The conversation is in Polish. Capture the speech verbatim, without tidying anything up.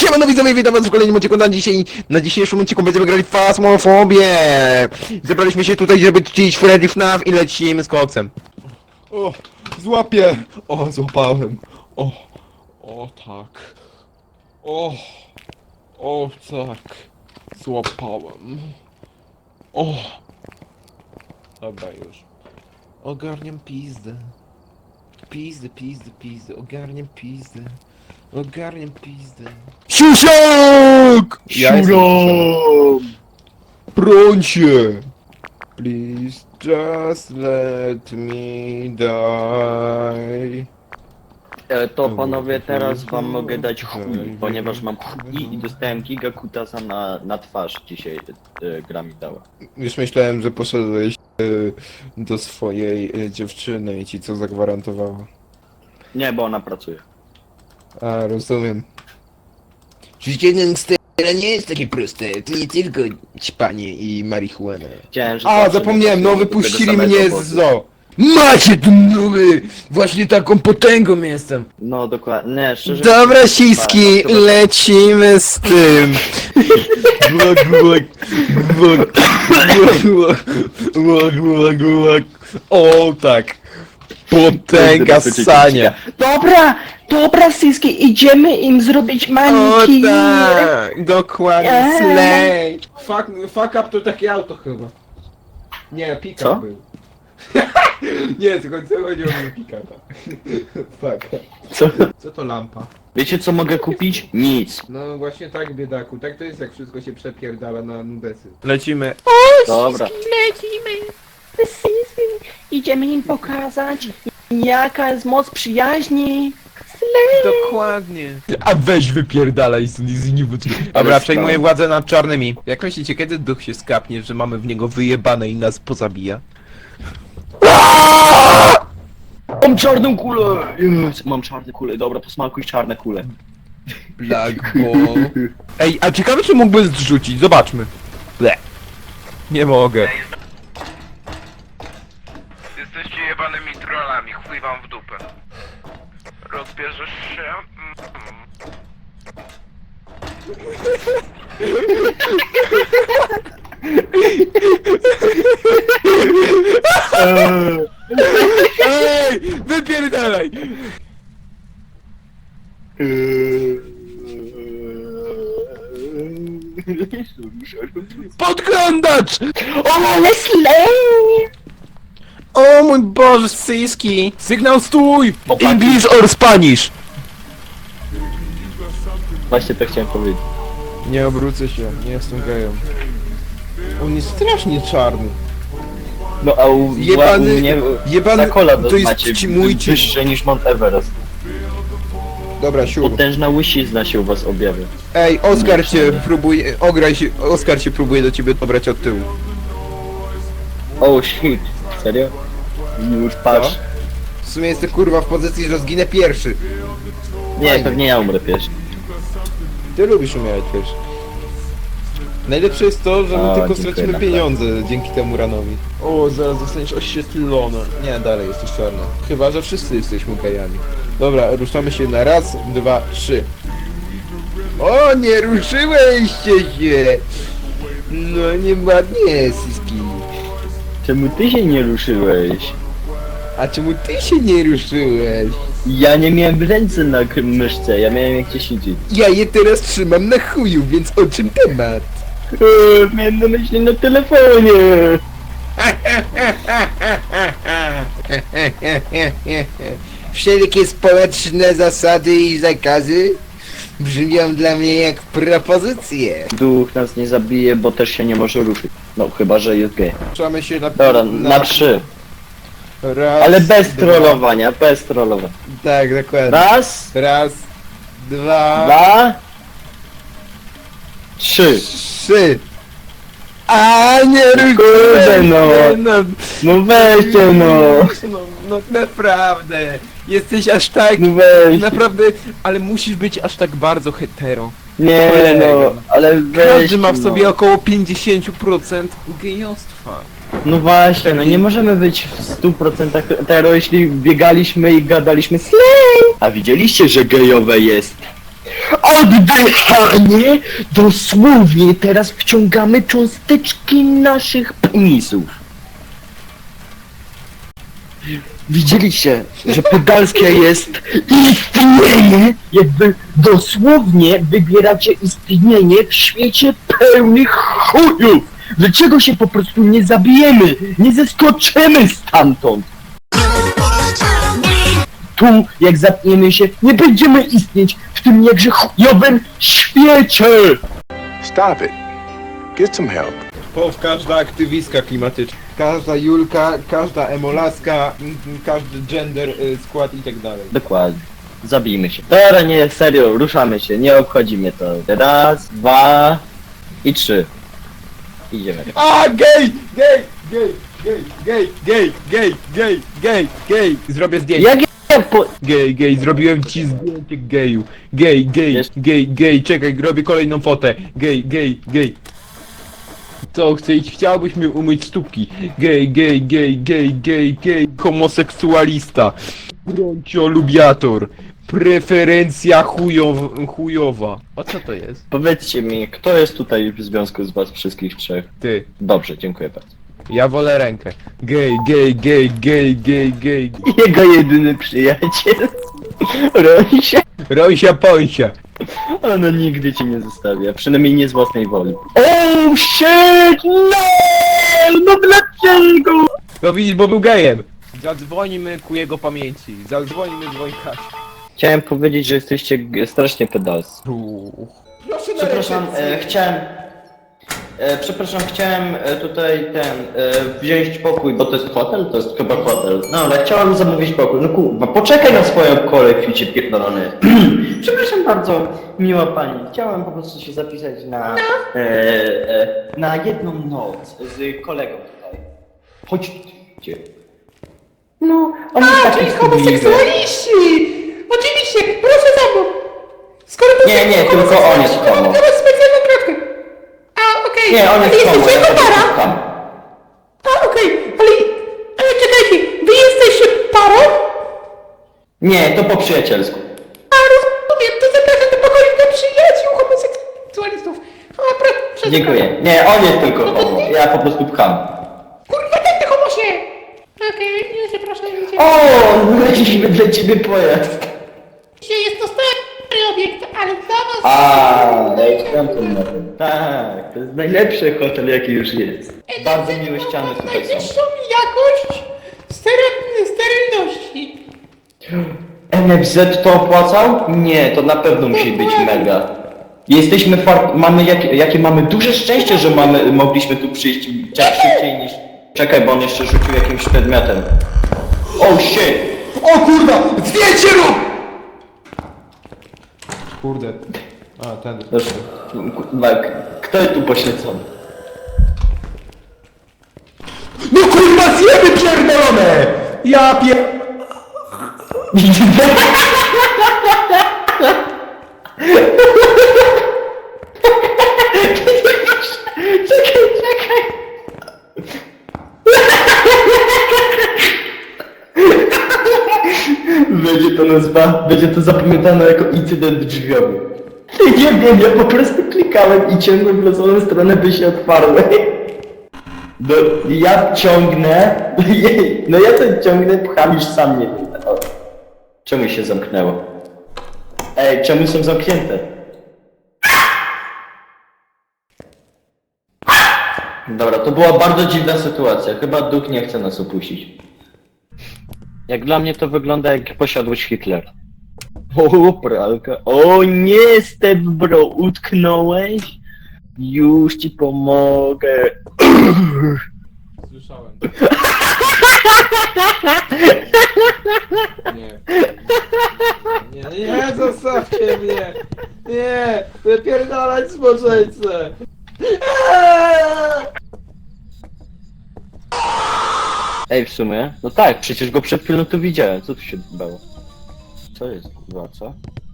Siemano widzowie, witam was w kolejnym odcinku. Na dzisiaj, na dzisiejszym odcinku będziemy grali w Phasmofobię. Zebraliśmy się tutaj, żeby czcić Freddy F N A F i lecimy z koksem. O, złapię! O, złapałem. O, o tak. O, o tak. Złapałem. O. Dobra już. Ogarniam pizdę. Pizdę, pizdę, pizdę. Ogarniam pizdę. Ogarniam pizdę. Siusiak! Ja jestem Siusiak. Broń się! Please just let me die. E, To panowie, teraz wam mogę dać chuj, ponieważ mam chuj i dostałem giga kutasa na, na twarz dzisiaj e, gra mi dała. Już myślałem, że poszedłeś e, do swojej e, dziewczyny i ci co zagwarantowała. Nie, bo ona pracuje. A, rozumiem. Życie gangstera nie jest takie proste. To nie tylko ćpanie i marihuana. Chciałem, że A, zawsze zapomniałem, nie no trafiłem do wypuścili tego mnie samego z boku. zoo. Macie tu nowy! Właśnie taką potęgą jestem. No dokładnie, nie, szczerze Dobra siski, Tak, to- lecimy z tym. Gułak, gułak, gułak, gułak, gułak, gułak, gułak. O, tak. Potęga ssania. Dobra, dobra Siski, idziemy im zrobić O maniki. tak, dokładnie, Eee. slay. Fuck, fuck up to takie auto chyba. Nie, pick-up Co? był. Nie, tylko co chodziło mi o pick-upa. Fuck. Co? Co to lampa? Wiecie co mogę kupić? Nic. No właśnie tak, biedaku, tak to jest jak wszystko się przepierdala na nubesy. Lecimy. Dobra. Lecimy. Idziemy im pokazać, jaka jest moc przyjaźni. Dokładnie. A weź wypierdalaj z, z niewódzki. Dobra, Ale przejmuję sprawa. władzę nad czarnymi. Jak myślicie, kiedy duch się skapnie, że mamy w niego wyjebane i nas pozabija? Mam czarną kulę! Yes, mam czarne kule, dobra, posmakuj czarne kule. Black Ball. Ej, a ciekawe czy mógłby zrzucić, zobaczmy. Ble. Nie mogę. Jesteście jebanymi trollami, chuj wam w dupę. Rozbierzesz się? Mm. Ej, wypierdalaj! Podglądacz! Ale slay! O mój Boże, syski! Sygnał stój! English or Spanish! Właśnie to chciałem powiedzieć. Nie obrócę się, nie jestem gejem. On jest strasznie czarny. No a u, Jebany- u mnie jebany- zakola to jest macie ci mój wy- wyższe niż Mount Everest. Dobra, siur. Potężna łysizna się u was objawia. Ej, Oskar cię próbuje, ograj się, Oskar cię próbuje do ciebie dobrać od tyłu. Oh shit, serio? Już patrz. W sumie jestem kurwa w pozycji, że zginę pierwszy. Nie, Fajnie. pewnie ja umrę pierwszy. Ty lubisz umierać pierwszy. Najlepsze jest to, że my A, tylko dziękuję, stracimy naprawdę. pieniądze dzięki temu ranowi. O, zaraz zostaniesz oświetlony. Nie, dalej jesteś czarny. Chyba, że wszyscy jesteśmy gejami. Dobra, ruszamy się na raz, dwa, trzy. O, nie ruszyłeście się! No nieładnie, Siski. Czemu ty się nie ruszyłeś? A czemu ty się nie ruszyłeś? Ja nie miałem ręce na k- myszce, ja miałem jak cię siedzieć. Ja je teraz trzymam na chuju, więc o czym temat? Eee, miałem na myśli na telefonie. Wszelkie społeczne zasady i zakazy brzmią dla mnie jak propozycje. Duch nas nie zabije, bo też się nie może ruszyć. No, chyba, że jest gej. Ruszamy się na... Dobra, na trzy. Raz, Ale bez dwa. trollowania, bez trollowania. Tak, dokładnie. Raz, Raz, dwa, dwa, trzy. trzy. A nie Kurde, no. no. No weźcie no. No, no naprawdę, jesteś aż tak... No weź. Naprawdę, ale musisz być aż tak bardzo hetero. Nie no, ale weź. Każdy ma w sobie no. około pięćdziesiąt procent gejostwa. No właśnie, no nie możemy być w stu procentach hetero, jeśli biegaliśmy i gadaliśmy slay. A widzieliście, że gejowe jest Oddychanie! Dosłownie teraz wciągamy cząsteczki naszych penisów. Widzieliście, że pedalskie jest istnienie, jakby dosłownie wybieracie istnienie w świecie pełnych chujów. Dlaczego się po prostu nie zabijemy, nie zeskoczymy stamtąd? Tu, jak zapniemy się, nie będziemy istnieć w tym jakże chujowym świecie! Stop it. Get some help. Pow każda aktywistka klimatyczna. Każda Julka, każda emolaska, m, m, każdy gender, y, skład i tak dalej. Dokładnie. Zabijmy się. Dobra, nie, serio, ruszamy się, nie obchodzi mnie to. Raz, dwa i trzy. Idziemy. A, gej! Gej! Gej! Gej! Gej! Gej! Gej! Gej! Gej! Gej! Zrobię zdjęcie. Jak ja po... Gej, gej, zrobiłem ci zdjęcie geju. Gej, gej, Wiesz- gej, gej, czekaj, robię kolejną fotę. Gej, gej, gej. Co, chcesz, chciałbyś mi umyć stópki? Gej, gej, gej, gej, gej, gej, homoseksualista. Bronciolubiator. Preferencja chujow, chujowa. A co to jest? Powiedzcie mi, kto jest tutaj w związku z was wszystkich trzech? Ty. Dobrze, dziękuję bardzo. Ja wolę rękę. Gej, gej, gej, gej, gej, gej. Jego jedyny przyjaciel. Rosia. Rosia Pońsia. Ona nigdy cię nie zostawia, przynajmniej nie z własnej woli. Oh shit, no! No dlaczego? No widzisz, bo był gejem. Zadzwonimy ku jego pamięci. Zadzwonimy dzwonka. Chciałem powiedzieć, że jesteście g- strasznie pedalscy. Przepraszam, e, chciałem... E, przepraszam, chciałem e, tutaj ten, e, wziąć pokój, bo to jest hotel? To jest chyba hotel. No ale chciałem zamówić pokój. No kurwa, poczekaj na swoją kolej, ficie pierdolony. Przepraszam bardzo, miła pani. Chciałem po prostu się zapisać na, e, e, na jedną noc z kolegą tutaj. Chodźcie. No, on jest taki czyli wstydliwy. homoseksualiści! Oczywiście, proszę za mną! Skoro to Nie, nie, tylko on jest homo. mam teraz specjalną kratkę. A, okej, Nie, on ale jest homo, jesteście ja jako para? tam. A, okej, ale... Ale czekajcie, wy jesteście parą? Nie, to po przyjacielsku. A, rozumiem, to zapraszam do pokoju dla przyjaciół homoseksualistów. A, proszę. Dziękuję. Nie, on jest tylko homo. Ja po prostu pcham. Kurwa, ten ty homosie! Okej, nie się proszę, nie O, znaleźliśmy dla ciebie pojazd. Dzisiaj jest to stary obiekt, ale dla was... A, ja już tam na tym. Tak, to jest najlepszy hotel jaki już jest. Bardzo miłe ściany tutaj są. Najwyższą jakość stery- sterylności. N F Z to opłacał? Nie, to na pewno musi być mega. Jesteśmy far... mamy jak... jakie mamy duże szczęście, że mamy mogliśmy tu przyjść tak szybciej niż... Czekaj, bo on jeszcze rzucił jakimś przedmiotem. Oh shit! O kurwa! Zdjęcie rób! Kurde. A, ten. Proszę, kurwa, kto jest tu poświęcony? No kurwa, zjemy pierdolone! Ja pier... Czekaj, czekaj! Będzie to nazwa, będzie to zapamiętane jako incydent drzwiowy. Nie wiem, ja po prostu klikałem i ciągłem w losową stronę, by się otwarły. No, ja ciągnę, no ja to ciągnę, pcham już sam nie wiem. O, czemu się zamknęło? Ej, czemu są zamknięte? Dobra, to była bardzo dziwna sytuacja. Chyba duch nie chce nas opuścić. Jak dla mnie to wygląda jak posiadłość Hitlera. O, pralka. O nie, Step Bro, utknąłeś? Już ci pomogę. Słyszałem. Nie. Nie, nie, zostawcie mnie! Nie! Wypierdalać zboczeńce! Ej, w sumie? No tak, przecież go przed chwilą tu widziałem. Co tu się bało? Co jest, kurwa, co?